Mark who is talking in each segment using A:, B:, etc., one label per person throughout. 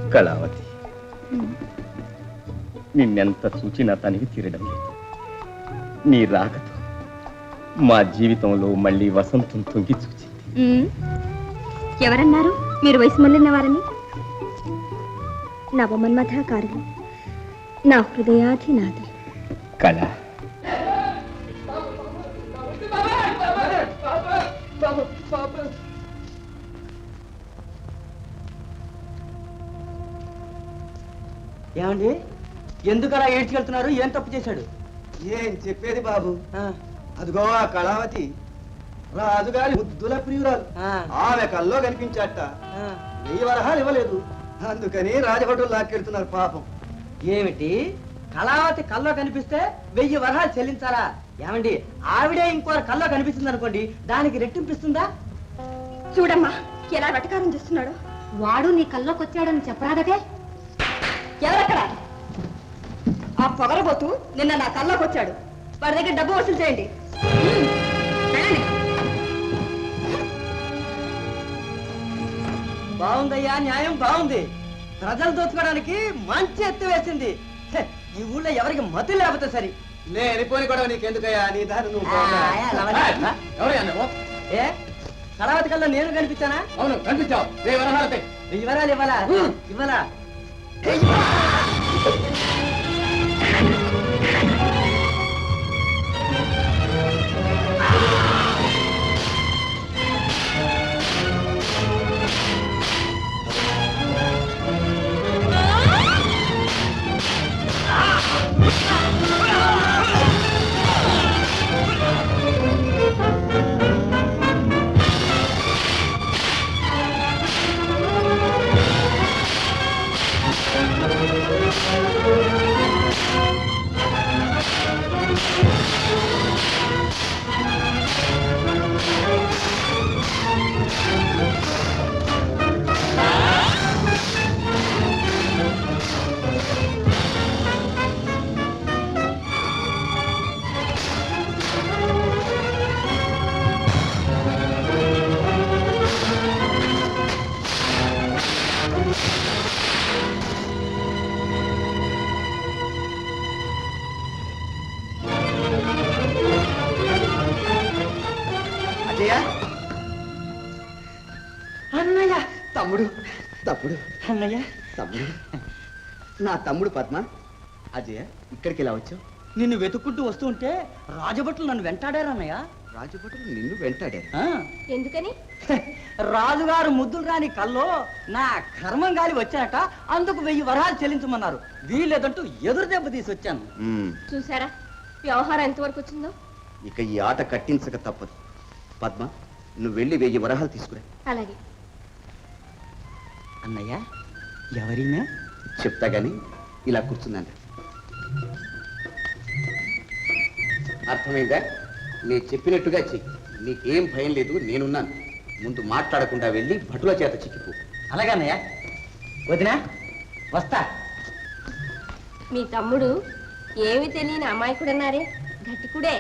A: కళావతి, నిన్నెంత చూచినా తనివి తీరడం లేదు. నీ రాకతో మా జీవితంలో మళ్ళీ వసంతం తొంగి చూచింది.
B: ఎవరన్నారు మీరు వయసు మళ్ళిన వారని? నవమన్మథాకారులు, నా హృదయాధినాథి.
A: కళ,
C: ఏమండి, ఎందుకు అలా ఏడ్చుకెళ్తున్నారు? ఏం తప్పు చేశాడు?
D: ఏం చెప్పేది బాబు, అదిగో ఆ కళావతి రాజుగారి ముద్దుల ప్రియురాలు, ఆమె కల్లో కనిపించాట. 1000 వరహాలు ఇవ్వలేదు, అందుకని రాజభటులు లాక్కెడుతున్నారు పాపం.
C: ఏమిటి, కళావతి కల్లో కనిపిస్తే 1000 వరహాలు చెల్లించాలా? ఏమండి, ఆవిడే ఇంకో కల్లో కనిపిస్తుంది అనుకోండి, దానికి రెట్టింపిస్తుందా?
B: చూడమ్మా ఎలా వెటకారం చేస్తున్నాడు. వాడు నీ కల్లోకి వచ్చాడని చెప్పరాదటే. ఎవరక్కడ? ఆ పొగరబోతూ నిన్న నా కల్లోకి వచ్చాడు. వాడి దగ్గర డబ్బు వసూలు చేయండి.
C: బాగుందయ్యా, న్యాయం బాగుంది. ప్రజలు దోచుకోవడానికి మంచి ఎత్తు వేసింది. ఈ ఊళ్ళో ఎవరికి మతి లేకపోతే సరి.
D: లేనిపోని కూడా నీకెందుకయ్యా, నీ దారి నువ్వు.
C: ఏ కళావతి కల్లా నేను కనిపించానా?
D: అవును కనిపించావు. 1000 వరహాలు
C: 1000 వరాలు ఇవ్వాలా? ఇవ్వాలా? అన్నయ్య,
D: తమ్ముడు తమ్ముడు
C: అన్నయ్య,
D: తమ్ముడు, నా తమ్ముడు పద్మ. అజయ, ఇక్కడికి ఎలా వచ్చావు?
C: నిన్ను వెతుక్కుంటూ వస్తూ ఉంటే రాజభటులు నన్ను వెంటాడారు అన్నయ్య.
D: రాజభటులు నిన్ను వెంటాడారు?
B: ఎందుకని?
C: రాజుగారు ముద్దులు రాని కల్లో నా కర్మం గాలి వచ్చాక అందుకు 1000 వరహాలు చెల్లించమన్నారు. వీళ్ళేదంటూ ఎదురు దెబ్బ తీసి వచ్చాను.
B: చూసారా వ్యవహారం ఎంతవరకు వచ్చిందో.
D: ఇక ఈ ఆట కట్టించక తప్పదు. పద్మ, నువ్వు వెళ్ళి 1000 వరహాలు తీసుకురా.
B: అలాగే.
C: అన్నయ్య, ఎవరినా
D: చెప్తా గాని ఇలా కూర్చుందండి. అర్థమైందా? నేను చెప్పినట్టుగా చెయ్యి. నీకేం భయం లేదు, నేనున్నాను. ముందు మాట్లాడకుండా వెళ్ళి భటుల చేత చిక్కిపో.
C: అలాగే అన్నయ్య. వదినా వస్తా.
B: మీ తమ్ముడు ఏమి తెలియని అమాయకుడన్నారే, గట్టికుడే.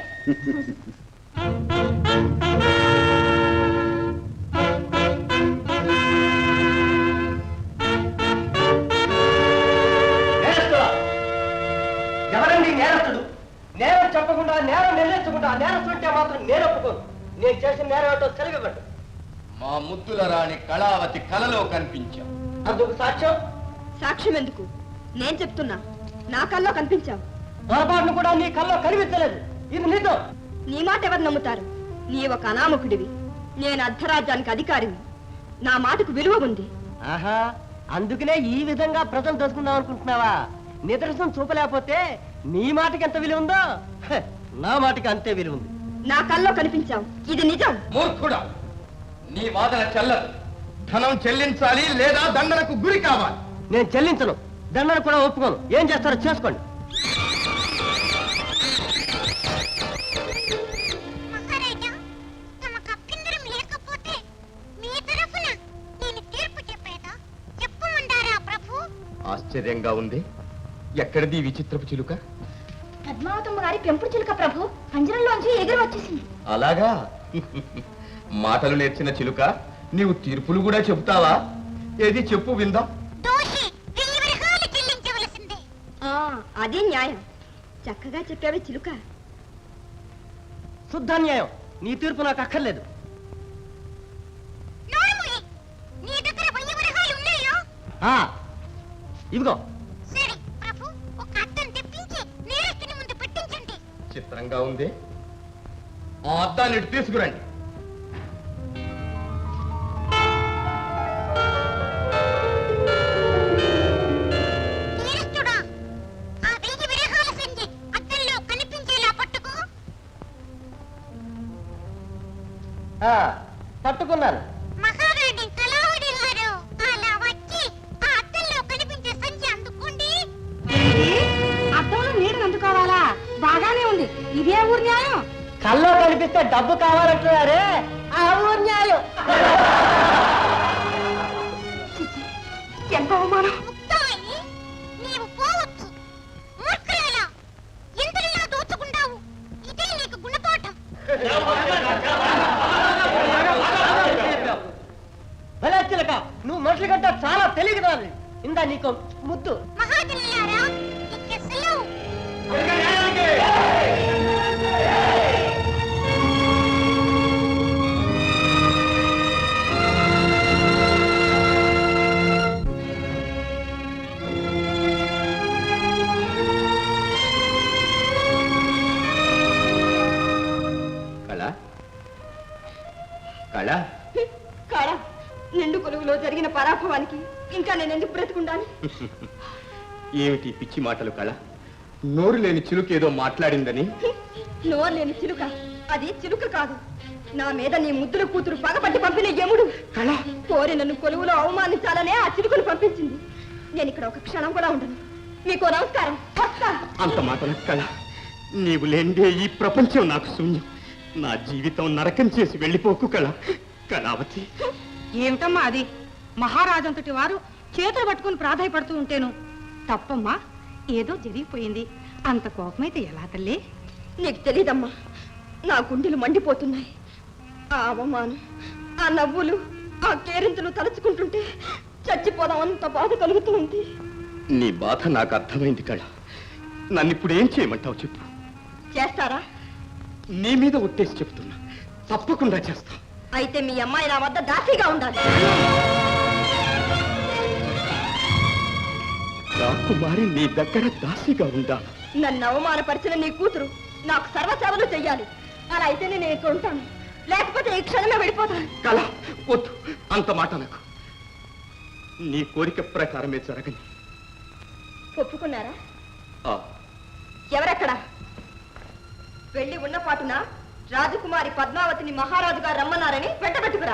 C: ఎవరండి నేరస్తుడు? నేరం చెప్పకుండా, నేరం నిర్ణయించకుండా నేరస్తుంటే మాత్రం నేను ఒప్పుకోను. నేను చేసిన నేరం ఏంటో తెలియబడ్డు.
A: మా ముద్దుల రాణి కళావతి కలలో కనిపించాం.
C: అందుకు సాక్ష్యం?
B: సాక్ష్యం ఎందుకు? నేను చెప్తున్నా, నా కల్లో కనిపించావు.
C: పొరపాటును కూడా నీ కల్లో కనిపించలేదు. ఇది నిజం.
B: నీ మాట ఎవరు నమ్ముతారు? నీ ఒక అనామకుడివి, నేను అర్ధరాజ్యానికి అధికారిని. నా మాటకు విలువ ఉంది.
C: ఆహా, అందుకనే ఈ విధంగా ప్రజలు దోచుకుందాం అనుకుంటున్నావా? నిదర్శనం చూపలేకపోతే నీ మాటకి ఎంత విలువ ఉందో నా మాటకి అంతే విలువ ఉంది.
B: నా కల్లో కనిపించావు, ఇది నిజం.
A: మూర్ఖుడా, నీ వాదన చెల్లదు. ధనం చెల్లించాలి లేదా దండనకు గురి కావాలి.
C: నేను చెల్లించను, దండను కూడా ఒప్పుకోను. ఏం చేస్తారో చేసుకోండి.
A: ఆశ్చర్యంగా ఉంది. ఎక్కడిది విచిత్రపు చిలుక?
B: పద్మావతమ్మ గారి పెంపుడు చిలుక ప్రభు, పంజరంలోంచి ఎగిరి వచ్చేసింది.
A: అలాగా? మాటలు నేర్చిన చిలుక, నీవు తీర్పులు కూడా చెబుతావా? ఏది చెప్పు విందాం.
E: దోషి
B: అదే న్యాయం. చక్కగా చెప్పావే చిలుక.
C: శుద్ధ న్యాయం. నీ తీర్పు నాకు అక్కర్లేదు. ఆ, ఇదిగో.
A: చిత్రంగా ఉంది. ఆ అద్దాన్ని ఇటు తీసుకురండి.
C: ఆ, పట్టుకున్నాను.
B: అద్దంలో నీడను అందుకోవాలా? బాగానే ఉంది. ఇదే ఊరి న్యాయం.
C: కల్లో కనిపిస్తే డబ్బు కావాలంటున్నారే, ఆ ఊరు న్యాయం.
B: ఎంత అవమానం.
C: భలే చిలక, నువ్వు మనుషుల కంటే చాలా తెలియదు. ఇందా నీకు ముద్దు.
A: కళ కళ
B: కాడా, నిండు కొలువులో జరిగిన పరాభవానికి ఇంకా నేను ఎందుకు బ్రతుకుండాలి?
A: ఏమిటి పిచ్చి మాటలు కళ? నోరు లేని చిలుక ఏదో మాట్లాడిందని.
B: నోరు లేని చిలుక? అది చిలుక కాదు. నా మీద నీ ముద్దుల కూతురు పగపట్టి పంపిన యముడు.
A: కళ
B: కోరి నన్ను కొలువులో అవమానించాలనే ఆ చిలుకను పంపించింది. నేను ఇక్కడ ఒక క్షణం కూడా ఉండను. మీకు నమస్కారం. వస్తా.
A: అంత మాటల కళ, నీవు లేండే ఈ ప్రపంచం నాకు శూన్యం. నా జీవితం నరకం చేసి వెళ్ళిపోకు కళ. కళావతి.
E: ఏమిటమ్మా అది? మహారాజంతటి వారు చేతులు పట్టుకుని ప్రాధాయపడుతూ ఉంటేను తప్పమ్మా. ఏదో జరిగిపోయింది. అంత కోపమైతే ఎలా తల్లి?
B: నీకు తెలీదమ్మా, నా గుండెలు మండిపోతున్నాయి. ఆ అవమానం, ఆ నవ్వులు, ఆ కేరింతలు తలుచుకుంటుంటే చచ్చిపోదామంత బాధ కలుగుతుంది.
A: నీ బాధ నాకు అర్థమైంది కళ. నన్ను ఇప్పుడు ఏం చేయమంటావు చెప్పు.
B: చేస్తారా?
A: నీ మీద ఒట్టేసి చెప్తున్నా, తప్పకుండా చేస్తా.
B: అయితే మీ అమ్మాయి నా వద్ద దాసిగా ఉండాలి.
A: రాకుమారి నీ దగ్గర దాసిగా ఉండా?
B: నన్ను అవమానపరిచిన నీ కూతురు నాకు సర్వసేవలు చెయ్యాలి. అలా అయితే నేను ఇక్కడ ఉంటాను, లేకపోతే ఈ క్షణమే వెళ్ళిపోతాను.
A: కళ వద్దు, అంత మాట నాకు. నీ కోరిక ప్రకారమే జరగని.
B: ఒప్పుకున్నారా?
A: ఆ,
B: ఎవరెక్కడ? వెళ్ళి ఉన్న పాటున రాజకుమారి పద్మావతిని మహారాజు గారు రమ్మన్నారని వెంటబెట్టుకురా.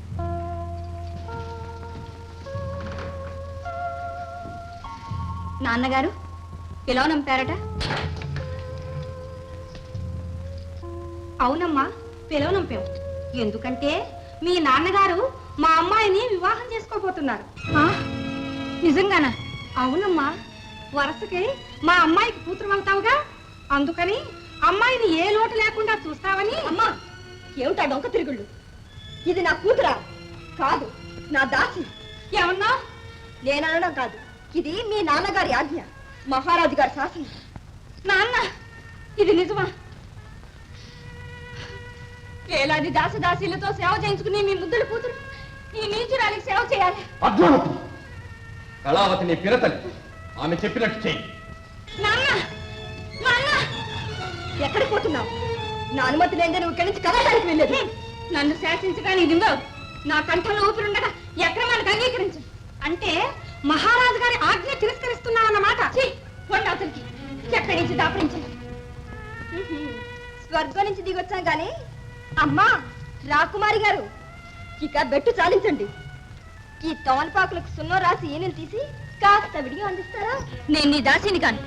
B: నాన్నగారు ఎలా నంపారట?
E: అవునమ్మా, పిలవనంపాం. ఎందుకంటే మీ నాన్నగారు మా అమ్మాయిని వివాహం చేసుకోబోతున్నారు.
B: నిజంగానా?
E: అవునమ్మా, వరుసకి మా అమ్మాయికి కూతురు అవుతావుగా, అందుకని అమ్మాయిని ఏ లోటు లేకుండా చూస్తావని.
B: అమ్మా, ఏమిటా డొంక తిరుగుళ్ళు? ఇది నా కూతురా? కాదు, నా దాసి.
E: ఏమన్నా?
B: నేననడం కాదు, ఇది మీ నాన్నగారి ఆజ్ఞ, మహారాజు గారి శాసనం.
E: నాన్న, ఇది నిజమా?
B: ఏలాది దాసదాసీలతో సేవ చేయించుకుని మీ ముద్దుల కూతురు ఈ నీచురాలికి సేవ చేయాలి.
A: పద్మావతి, కళావతి నీ పిరతలి. ఆమె చెప్పినట్టు చెయ్యి.
B: నాన్న, నాన్న, ఎక్కడికి పోతున్నావు? నా అనుమతి లేదే నువ్వు ఇక్కడి నుంచి కదలడానికి వెళ్ళేది.
E: నన్ను శాసించగానే ఇదిగో నా కంఠంలో ఊపిరుండగా ఈ అక్రమానికి అంగీకరించు. అంటే మహారాజు గారి ఆజ్ఞ తిరస్కరిస్తున్నావు అన్నమాట.
B: అతనికి ఎక్కడి నుంచి దాపరించాను? స్వర్గం నుంచి దిగొచ్చాం గాని అమ్మా రాకుమారి గారు, ఇక బెట్టు చాలించండి. ఈ తోమలపాకులకు సున్నం రాసి ఈనెలు తీసి కాస్త విడిగా అందిస్తారా? నేను నీ దాసిని కాను.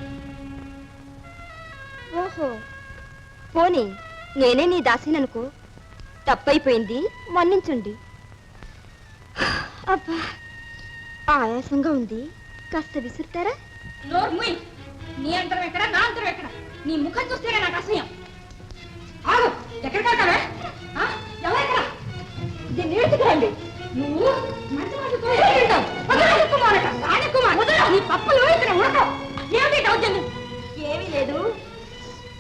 B: ఓహో, పోనీ నేనే నీ దాసిననుకో. తప్పైపోయింది, మన్నించండి. అబ్బా, ఆయాసంగా ఉంది, కాస్త విసురుతారా?
E: నోర్ముయ్, నీ అంతరం ఎక్కడ, నా అంతరం ఎక్కడ? నీ ముఖం చూస్తేనే నాకు అసహ్యం. ఆగు, ఎక్కడికి వెళ్తావే? ఎవరెక్కడ?
B: దీన్ని నేర్చుకురండి.
E: నువ్వు మంచి మంచి నీ పప్పులు ఇక్కడ ఉండవు. ఏమిటి దౌర్జన్యం?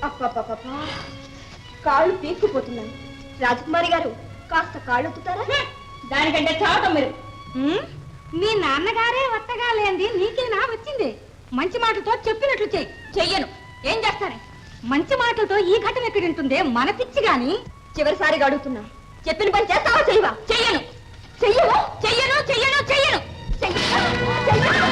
B: అప్పప్ప కాళ్ళు పీక్కుపోతున్నాయి. రాజకుమారి గారు కాస్త కాళ్ళు ఒత్తుతారా? దానికంటే చావటం మీరు.
E: మీ నాన్నగారే వత్తగా లేంది నీకేనా వచ్చింది? మంచి మాటలతో చెప్పినట్లు
B: చెయ్యను. ఏం చేస్తానే?
E: మంచి మాటలతో ఈ ఘటన ఎక్కడుంటుందే మన పిచ్చి గాని.
B: చివరిసారిగా అడుగుతున్నా, చెప్పిన పని చేస్తావా? చెయ్యవా? చెయ్యను. చెయ్యను చెయ్యను చెయ్యను చెయ్యను చెయ్యను.